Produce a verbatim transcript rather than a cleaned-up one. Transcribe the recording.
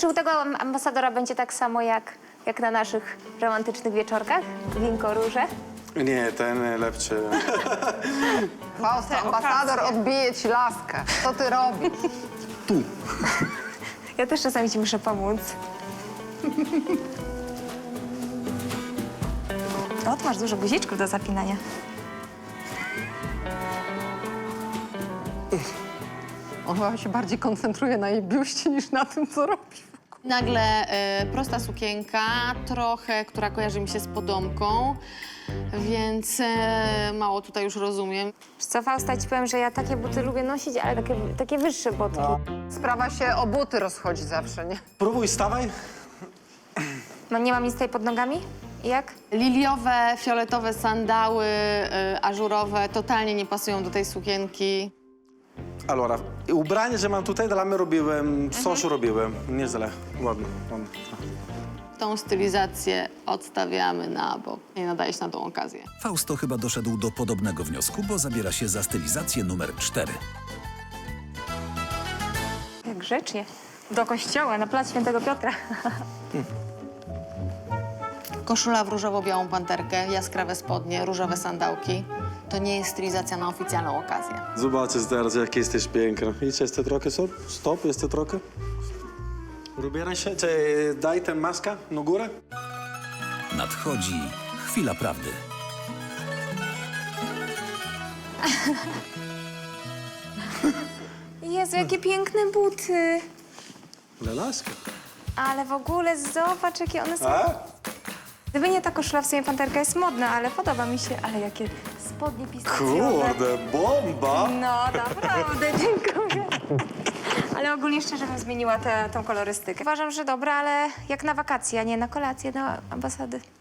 Czy u tego ambasadora będzie tak samo jak, jak na naszych romantycznych wieczorkach? Winko, róże? Nie, ten lepszy. Fausto, ambasador odbije ci laskę. Co ty robisz? Tu. Ja też czasami ci muszę pomóc. O, tu masz dużo guziczków do zapinania. On chyba się bardziej koncentruje na jej biuście niż na tym, co robi. Nagle e, prosta sukienka, trochę, która kojarzy mi się z podomką, więc e, mało tutaj już rozumiem. Wiesz co, Fausta, ci powiem, że ja takie buty lubię nosić, ale takie, takie wyższe botki. Sprawa się o buty rozchodzi zawsze, nie? Próbuj, stawaj. No nie mam nic tutaj pod nogami? I jak? Liliowe, fioletowe sandały, e, ażurowe, totalnie nie pasują do tej sukienki. Allora, ubranie, że mam tutaj, dla mnie robiłem, coś robiłem. Nieźle, ładnie, ładnie. Tą stylizację odstawiamy na bok. Nie nadaje się na tą okazję. Fausto chyba doszedł do podobnego wniosku, bo zabiera się za stylizację numer cztery. Jak grzecznie. Do kościoła, na plac Świętego Piotra. Koszula w różowo-białą panterkę, jaskrawe spodnie, różowe sandałki. To nie jest stylizacja na oficjalną okazję. Zobaczysz teraz, jak jesteś piękna. Idź jeszcze trochę, stop, stop, jeszcze trochę. Ubieraj się, czy daj tę maskę na górę. Nadchodzi chwila prawdy. Jezu, jakie piękne buty. Lelaska. Ale w ogóle zobacz, jakie one są. A? Gdyby nie ta koszula, w sumie panterka jest modna, ale podoba mi się. Ale jakie spodnie pistacjowe. Kurde, bomba! No, naprawdę, dziękuję. Ale ogólnie szczerze bym zmieniła tę tą kolorystykę. Uważam, że dobra, ale jak na wakacje, a nie na kolację do ambasady.